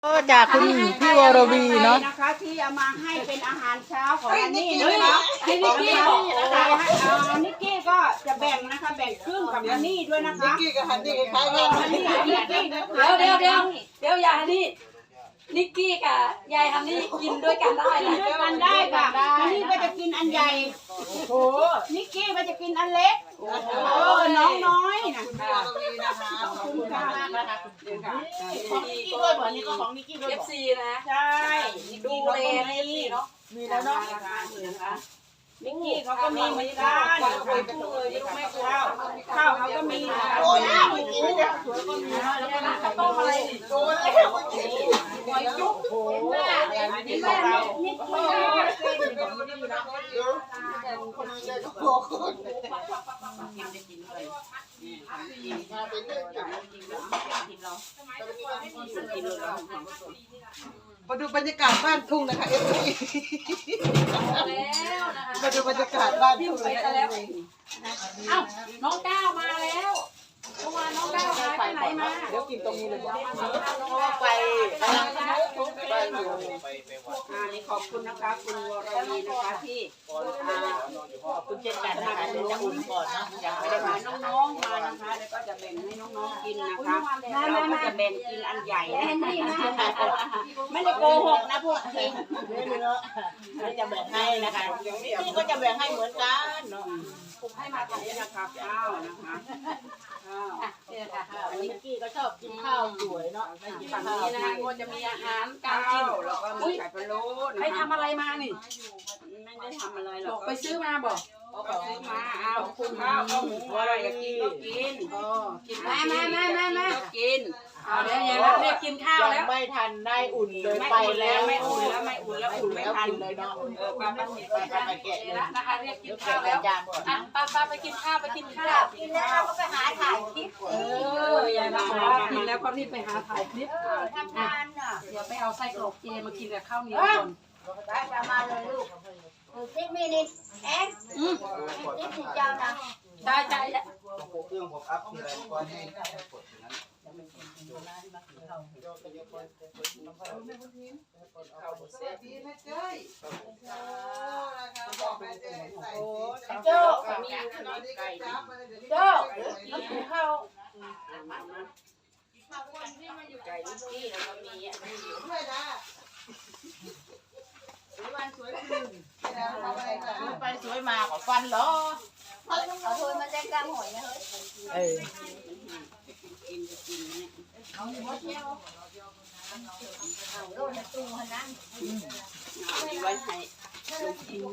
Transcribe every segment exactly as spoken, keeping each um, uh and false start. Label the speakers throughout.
Speaker 1: ก็จากคุณพี่วรวีเนาะ
Speaker 2: นะคะที่เอามาให้เป็นอาหารเช้าของอันนี้นะคะให้นิกกี้บอกนะคะนิกกี้ก็จะแบ่งนะคะแบ่งครึ่งกับอันนี้ด้วยนะคะนิกกี้กับฮันนี่คล้ายกันนิกกี้
Speaker 3: เดี๋ยวเดี๋ยวเดี๋ยวเดี๋ยวยายฮันนี่นิกกี้กับยายฮันนี่กินด้วยกันได้
Speaker 2: กินด้วยกันได้ค่ะอันนี้ก็จะกินอันใหญ่โอ้นิกกี้ก็จะกินอันเล็กโอ้น้องน้อยนะขอบคุณค่ะของนิกกี้ด้วยเหมือนนี้ก็ของนิกกี้ด้วย
Speaker 3: เอฟซีนะ
Speaker 2: ใช่
Speaker 3: ดูแลในเอฟซีเนาะ
Speaker 2: มีแล้วเนาะนิกกี้เขาก็มีเหมือนกันข้าวข้าวเขาก็มีโอ้ยนิกกี้เนี่ยสวยก็มีแล้วก็ข้าวต้มอะไรโดนแล้วหอยจุ๊บโอ้โหอันนี้ของเรานิกกี้คนนี้เลยก็พอคนกินได้กินเลยมาเป็นเรื่องกินกินเรากินเรามาดูบรรยากาศบ้านทุ่งนะคะเอฟซีมาดูบรรยากาศบ้านทุ่งเลยแล้ว
Speaker 3: เอ้าน้องก้าวมาแล้วเมื่อวานน้องก้าวหายไปไหนมา
Speaker 2: เดี๋ยวกินตรงนี้เลยไปกำลังไปอยู่อ่านี่ขอบคุณนะคะคุณวรวีนะคะที่อ่าขอบคุณเช่นกันนะคะเดี๋ยวจะอุ่นก่อนนะยังไม่ได้มาน้องๆมานะคะแล้วก็จะแบ่งให้น้องๆกินนะคะเราก็จะแบ่งกินอันใหญ่ไม่ได้โกหกนะพวกจริงเราจะแบ่งให้นะคะนี่ก็จะแบ่งให้เหมือนกันเนาะผมให้มาตรงนี้นะคะข้าวนะคะข้าวนี่ค่ะอันนี้กี้ก็ชอบกินข้าวสวยเนาะ
Speaker 3: ฝั่งนี้นะคะก็จะมีอาหารการกิน
Speaker 2: แล้วก็มีไข่พะโล้นะคะ
Speaker 3: ไปทำอะไรมานี่
Speaker 2: ไม่ได้ทำอะไรหร
Speaker 3: บ
Speaker 2: อ
Speaker 3: อก กไปซื้อมาบอก
Speaker 2: ก็ซื้อมาเอาคุณข้าวข้าวหมูอะไรอยากกินก็กินก็กิน
Speaker 3: มามามามามา
Speaker 2: กิน
Speaker 3: เอาเดี๋ยวยายรับเรียกกินข้าวแล้ว
Speaker 1: ไม่ทันได้อุ่นเลยไป
Speaker 2: ไป
Speaker 1: แล้
Speaker 2: แล้ว
Speaker 1: ว
Speaker 2: ไม่อุ่นแล้วไม่อุ่นแล้วอุ่นไม่ทัน
Speaker 1: เลยเนาะ
Speaker 2: เออป้าป้าไปป้าไปแกะ
Speaker 3: เดี๋ยวนะนะคะเรียกกินข้าวแล้วอ่ะป้าป้าไปกินข้าวไปกินข้าว
Speaker 2: กินแล้วเราก็ไปหาถ่ายคลิป
Speaker 3: เออยายรับบอกว่ากินแล้วก็รีบไปหาถ่ายคลิป
Speaker 2: ทำงานน่ะ
Speaker 3: เดี๋ยวไปเอาไส้กรอกเจมากินกับข้าวเหนียวก่อน
Speaker 2: ได้จะมาเลยลูกติ๊กมินิแอนติ๊กสิเจ้านะ
Speaker 3: ได้ใจ
Speaker 4: เครื่องผมอัพทีไรก่อนให้กดอย่างนั้น
Speaker 2: โจ้มีไก่โจ้มากินข้าวไก่ลูกที่แล้วก็มีอันนี้อยู่ด้วยนะวันสวยขึ้นไปสวยมาขอฟันเหรอเอาโทนมาแจ้งกำหอยนะเฮ้ย
Speaker 1: เออ
Speaker 2: กินจะกินเนี่ยเอาหมดแล้วเอาโดนตู้หันนั้นมีไว้ให้ลูกกิน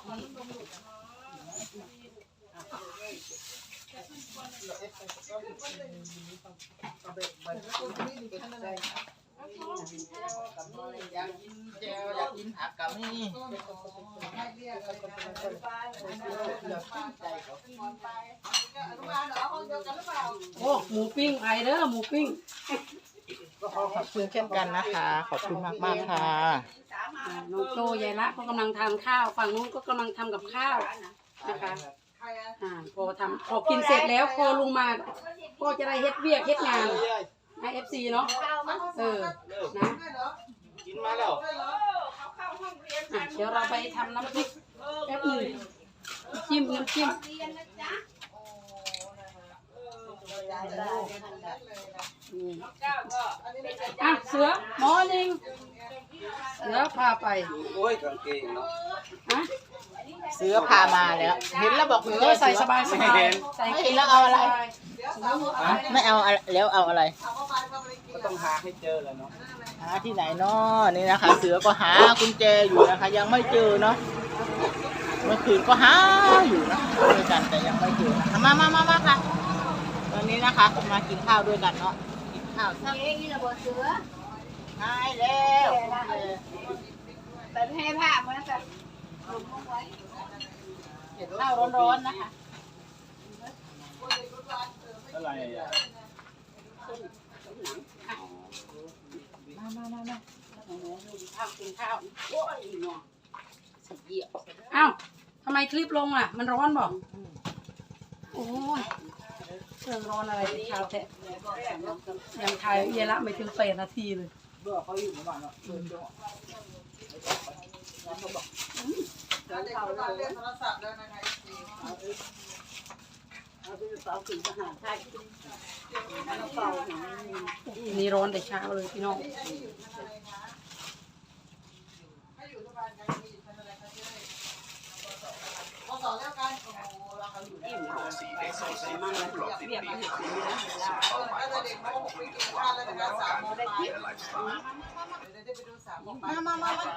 Speaker 1: อยากกินแจวอยากกินผักกับนี่
Speaker 3: โอ้หมูปิ้งไอเด้อหมูปิ้ง
Speaker 1: ก็ขอขอบคุณเช่นกันนะคะ ขอบคุณมากมากๆค่ะ
Speaker 3: น้องโจยายละก็กำลังทานข้าวฝั่งนู้นก็กำลังทำกับข้าวนะคะอ่าพอทำพอกินเสร็จแล้วพอลุงมาก็จะได้เฮ็ดเวียกเฮ็ดงานให้เอฟซีเนาะเออนะ
Speaker 4: กินมาแล้ว
Speaker 3: อ่ะเดี๋ยวเราไปทำน้ำพริกแป๊บหนึ่งจิ้มน้ำจิ้มอ่ะเสือมอนิ่งเสือพาไป
Speaker 4: โอ้ยกางเกงเนาะ
Speaker 3: ฮะ
Speaker 1: เสือพามาแล้ว เห็นแล้วบอก
Speaker 3: เสือใส่สบายสบายใส่
Speaker 1: เห็นแล้วเอาอะไร ไม่เอาอะไรแล้วเอาอะไร
Speaker 4: ก็ต้องหาให้เจอแล้วเนาะ
Speaker 1: หาที่ไหนเนาะนี่นะคะ เสือก็หากุญแจอยู่นะคะ ยังไม่เจอเนาะเมื่อคืนก็หาอยู่นะด้วยกันแต่ยังไม่เจอนะคะมามามามาค่ะตอนนี้นะคะมากินข้าวด้วยกันเนาะกินข้าว
Speaker 2: ทำเองนี่ระเบิดเสือ
Speaker 1: หายแล้ว
Speaker 2: แต่ให้ผ้ามันจะ
Speaker 1: เห็นข้าวร้อนๆนะคะ
Speaker 4: อะไรอ่ะ
Speaker 1: มามามามา
Speaker 3: ข้าวกินข้าวโอ้ยหนอสับเหยียบอ้าวทำไมคลิปลงอ่ะ มันร้อนบอกโอ้ยเครื่องร้อนอะไรที่ข้าวแทะยังถ่ายเยละไม่ถึงแปดนาทีเลย
Speaker 1: เบื่อเขาอยู่เมื่อวานเนาะเบื่อจังแล้วเขาบอก
Speaker 2: เดี๋ยวเขาเราเล่นโทรศัพท์แล้วนะคะเอาไปเป่าขึ้นทหารไทยแล้วเป่าหัว
Speaker 3: นี่ร้อนแต่เช้าเลยพี่น้อง
Speaker 2: อิ่มแล้วไปมั่งแล้วเรียบมาถึงนี่นะ
Speaker 1: มามามามา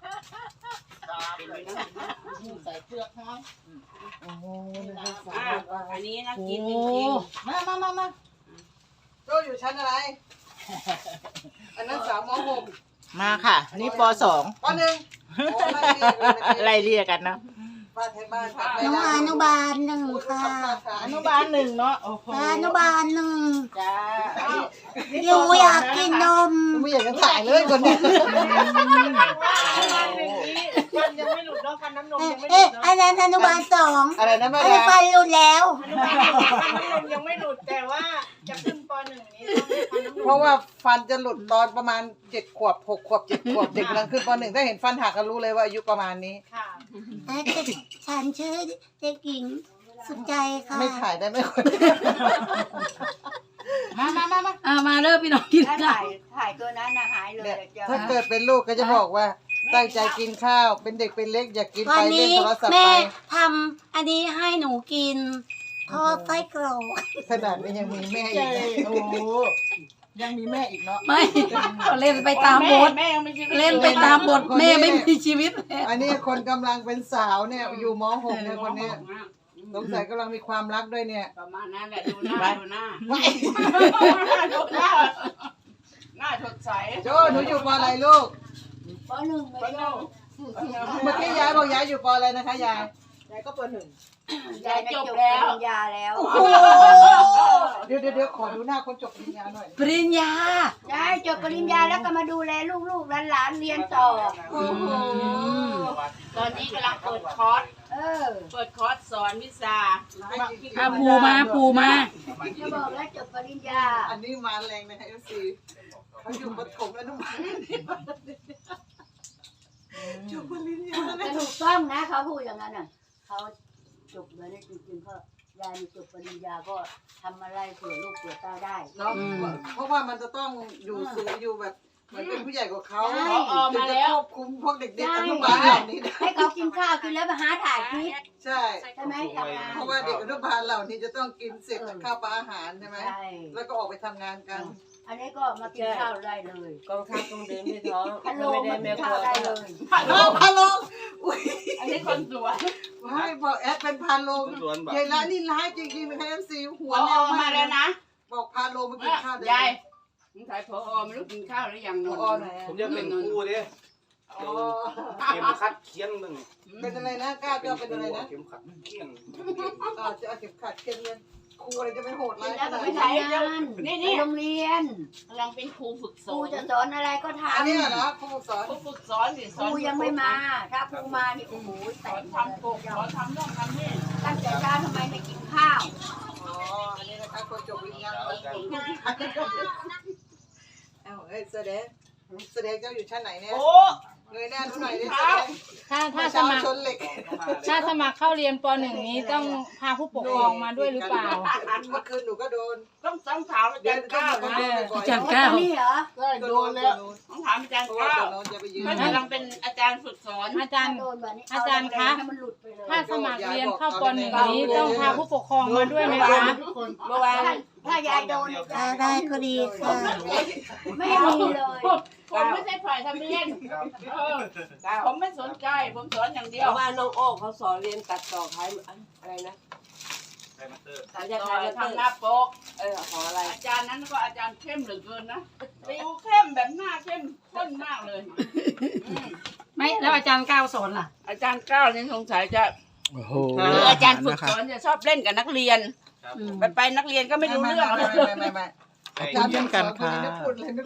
Speaker 1: ใส่เสื้อห้องโอ้โห
Speaker 2: อันนี้นะกินจ
Speaker 1: โอ้
Speaker 2: ริง
Speaker 1: มามามามา
Speaker 2: ๆโจ้อยู่ชั้นอะไร อันนั้นสาวมหก
Speaker 1: มาค่ะ นี่ปสอง
Speaker 2: ปหนึ่ง
Speaker 1: ไล่เรียกกันเนาะ
Speaker 2: บ้านไทยบ้านค่ะ
Speaker 5: น้องอนุบาลหนึ่งค่ะ
Speaker 1: อนุบาลหนึ่งเนาะโอ้โห
Speaker 5: อนุบาลหนึ่ง
Speaker 1: จ้า
Speaker 5: หนูอยากกินนม
Speaker 2: ไม่อยากจะถ่ายเลยคนนี้
Speaker 1: ฟันยังไม่หลุดเนาะฟันน้ำนม
Speaker 5: เอ๊ะ
Speaker 1: ยังไม่หลุดเนาะ
Speaker 5: เอ๊ะอันนั้นอนุบาลสอง
Speaker 2: อะไรนะแม่
Speaker 5: อันนี้
Speaker 2: ดา
Speaker 5: ฟันหลุดแล้ว
Speaker 1: ฟันน้ำนมยังไม่หลุดแต่ว่าจะขึ้นปหนึ่งนี้ต้องฟันน้ำนม
Speaker 2: เพราะว่าฟันจะหลุดตอนประมาณเจ็ดขวบหกขวบเจ็ดขวบเด็กกำลังขึ้นปหนึ่งถ้าเห็นฟันหักก็รู้เลยว่าอายุประมาณนี้
Speaker 1: ค่ะ
Speaker 5: เอ๊ะฉันชื่อเด็กหญิงสุดใจค่ะ
Speaker 2: ไม่ถ่ายได้ไหมคน
Speaker 1: มามามามา
Speaker 3: อ่ามาเริ่มพี่น้องกิน
Speaker 6: ถ้า
Speaker 3: ข้า
Speaker 6: ถ่ายว ถ่ายตัวนั้นนะหายเลย
Speaker 2: เนี่ย
Speaker 6: เดี๋ยว
Speaker 2: ถ้าเกิดเป็นลูกก็จะบอกว่าตั้งใจกินข้าว เป็นเด็กเป็นเล็กอย่ากิน
Speaker 5: วั
Speaker 2: ไป
Speaker 5: น
Speaker 2: เล่น
Speaker 5: นี้
Speaker 2: โทรศัพท์
Speaker 5: แม่
Speaker 2: ไป
Speaker 5: ทำอันนี้ให้หนูกินทอดไส้กรอก
Speaker 2: ขนาดนี้ยังมีแม่
Speaker 1: เจ
Speaker 2: อีกนะ
Speaker 1: โอ้โหยังมีแม่อีกเนาะ
Speaker 3: ไม่ก็เล่นไปตามบท
Speaker 1: แม่ยังไม่ชีวิต
Speaker 3: เล่นไปตามบทแม่ไม่มีชีวิต
Speaker 2: อันนี้คนกำลังเป็นสาวเนี่ยอยู่ม หกเนี่ยคนเนี้ยสงสัยกำลังมีความรักด้วยเนี่ย
Speaker 6: ประมาณนั้นแหละดูหน้าดูหน้า
Speaker 2: ไม่
Speaker 6: ดูหน้าหน้าสดใส
Speaker 2: โจ้หนูอยู่ปอะไรลูก
Speaker 6: ปหนึ่งไม่ใช่
Speaker 2: เมื่อกี้ยายบอกยายอยู่ปอะไรนะคะยาย
Speaker 1: ยายก็ปหนึ่ง
Speaker 6: ยายจบแล้วปริญญาแล้ว
Speaker 2: เดี๋ยวเดี๋ยวเดี๋ยวขอดูหน้าคนจบปริญญาหน่อย
Speaker 3: ปริญญาย
Speaker 6: ายจบปริญญาแล้วก็มาดูแลลูกๆหลานๆเรียนต่อ
Speaker 2: โอ้โห
Speaker 6: ตอนนี้กำลังเปิดคอร์สเออเปิดคอร์สสอนวิชา
Speaker 3: อ่ะปูมาปูมา
Speaker 6: จะบอกแล้วจบปริญญา
Speaker 2: อันนี้มาแรงนะคะเอฟซีเขาอยู่ปฐมอนุบาลจบปริญญา
Speaker 6: แต่ถูกต้องนะเขาพูดอย่างนั้นน่ะเขาจบเลยนะจริงๆเขายายจบปริญญาก็ทำอะไรเผื่อลูกเผื่อเต้าได้
Speaker 2: เนาะเพราะว่ามันจะต้องอยู่สูงอยู่แบบเหมือนเป็นผู้ใหญ่กว่าเขา
Speaker 6: ใช่
Speaker 2: ถึงจะควบคุมพวกเด็กๆอนุบาลเหล่านี้ได้
Speaker 6: ให้เขากินข้าวกินแล้วไปหาถ่ายคลิป
Speaker 2: ใช่
Speaker 6: ใช่ไหมทำงาน
Speaker 2: เพราะว่าเด็กอนุบาลเหล่านี้จะต้องกินเสร็จจากข้าวปลาอาหารใช่ไหม
Speaker 6: ใช่
Speaker 2: แล้วก็ออกไปทำงานกัน
Speaker 6: อันนี้ก็มากินข้าวได้เลย
Speaker 7: กองทัพต้องเดินด้วยท้อง
Speaker 6: ฮัลโหล
Speaker 7: ไม่ได้
Speaker 6: มากิ
Speaker 7: แม่
Speaker 6: น
Speaker 7: ค
Speaker 6: ข้า
Speaker 7: รั
Speaker 6: ว
Speaker 7: ว
Speaker 6: ได้เลย
Speaker 2: พาโลงพาโลงอุ้ย
Speaker 6: อันนี้คนสวย
Speaker 2: ให้บอกแอดเป็นพาโลงยายละนี่ร้ายจริงๆนะคะเอฟซีหัว
Speaker 6: พอ
Speaker 2: แนว
Speaker 6: มาแล้วนะ
Speaker 2: บอกพาโลงมากินข้าวได้
Speaker 6: ยายมึงถ่ายพอไม่รู้กินข้าวหรือยังน
Speaker 2: พ
Speaker 6: น
Speaker 2: อไหน
Speaker 4: ผมจะเป็นครูดิ
Speaker 2: อ๋อ
Speaker 4: เข็มขัดเคียนหนึ่ง
Speaker 2: เป็นอะไรนะกล้าจะเป็นอะไรนะ
Speaker 4: เข็มขัดเคียน
Speaker 2: อ่าจะเอาเข็มขัดเข็มเงินครูอะไรจะไม่โหด
Speaker 6: กิ
Speaker 2: ร้าน ย
Speaker 6: แล้ว
Speaker 2: ข
Speaker 6: ก็
Speaker 2: นาด
Speaker 6: ไป
Speaker 2: นี้
Speaker 6: ทำงานนี่นี่โรงเรียนกำลังเป็นครูฝึกส
Speaker 8: ครู
Speaker 6: อน
Speaker 8: จะสอนอะไรก็ท
Speaker 2: อันนี้เหรอครูสอน
Speaker 6: ครูฝึกสอนสิ
Speaker 8: ำ
Speaker 6: ส
Speaker 8: ค
Speaker 6: อน
Speaker 8: รูยังไม่มา ถ้าครูมานี่โอ้โห
Speaker 6: ส
Speaker 8: แต่
Speaker 6: อน
Speaker 8: ง
Speaker 6: ทำปกสอนทำนู่นทำนี่
Speaker 8: ตั้งแต่เช้าทำไมไม่กินข้าว
Speaker 2: อ๋ออันนี้นะคะคนจบวิญญาณเอ้าเอ้ยแสดงแสดงเจ้าอยู่ชั้นไหนเนี่ย
Speaker 1: โอ้
Speaker 2: เงยหน้าดูหน่อยดิแสดง
Speaker 9: ถ้าถ้าส
Speaker 2: เช้า
Speaker 9: มัคร
Speaker 2: ชนเหล็ก
Speaker 9: ถ้าสมัครเข้าเรียนปหนึ่งนี้ต้องพาผู้ปกครองมาด้วยหรือเปล่า
Speaker 2: เมื่อคืนหนูก็โดน
Speaker 6: ต้องต้องถามอา
Speaker 2: เดี๋
Speaker 6: จาย ร
Speaker 2: ว
Speaker 6: ย์
Speaker 2: ก็
Speaker 6: ก้าว
Speaker 2: โดน
Speaker 6: นะ
Speaker 2: บ่อย
Speaker 3: อาจารย์
Speaker 8: ต
Speaker 3: ก้า
Speaker 8: อ
Speaker 3: วน
Speaker 8: นี้เหรอ
Speaker 1: ได้
Speaker 2: ๆ
Speaker 1: โดนแล้ว
Speaker 6: ต้องถามอาจารย์
Speaker 2: เพราะว่า
Speaker 6: ก้าว
Speaker 2: ตัวโน้นจะไปยืน
Speaker 6: มันกำลังเป็นอาจารย์ฝึกสอน
Speaker 9: อาจารย์
Speaker 8: โดนแบบนี้
Speaker 9: อาจารย์คะ
Speaker 8: ให้มันหลุดไปเลย
Speaker 9: ถ้าสมัครเรียนเข้าปหนึ่งนี้ต้องพาผู้ปกครองมาด้วยไหมคะ
Speaker 6: เมื่อวาน
Speaker 8: ถ้าถ้ายายโดน
Speaker 5: ถ้าได้ก็ดีค่ะ
Speaker 8: ไม่มีเลย
Speaker 6: ผมไม่ใช่ฝ่ายทำเรียนเออผมไม่สนใจผมสอนอย่างเดี
Speaker 7: เพ
Speaker 6: ยว
Speaker 7: ราะว่าน้องโอ้เขาสอนเรียนตัดต่อขายอะไรนะ
Speaker 4: ไทยมาสเตอร์
Speaker 7: ขาย
Speaker 6: ต่
Speaker 7: ยา
Speaker 6: อ
Speaker 7: ขาย
Speaker 6: ทำ
Speaker 7: ทำ
Speaker 6: ห
Speaker 7: ห
Speaker 6: น้า
Speaker 7: น้า
Speaker 6: ปก
Speaker 7: เออขออะไร
Speaker 6: อาจารย์นั้นก็อาจารย์เข้มเหลือเกินนะติวเข้มแบบหน้าเข้มข้นมากเลยอืม
Speaker 3: ไม่แล้วอาจารย์ก้าวสอนล่ะ
Speaker 6: อาจารย์ก้าวนี่สงสัยจะ
Speaker 1: โอ้โห
Speaker 6: คืออาจารย์ฝึกสอนจะชอบเล่นกับนักเรียน
Speaker 4: ครับ
Speaker 6: ไปไปนักเรียนก็ไม่รู้เรื่อง
Speaker 2: ไม่ไม่ไม่ไม่ไม่
Speaker 1: ขอบคุณเช่นกันค่ะ
Speaker 2: ไม่พูดเลย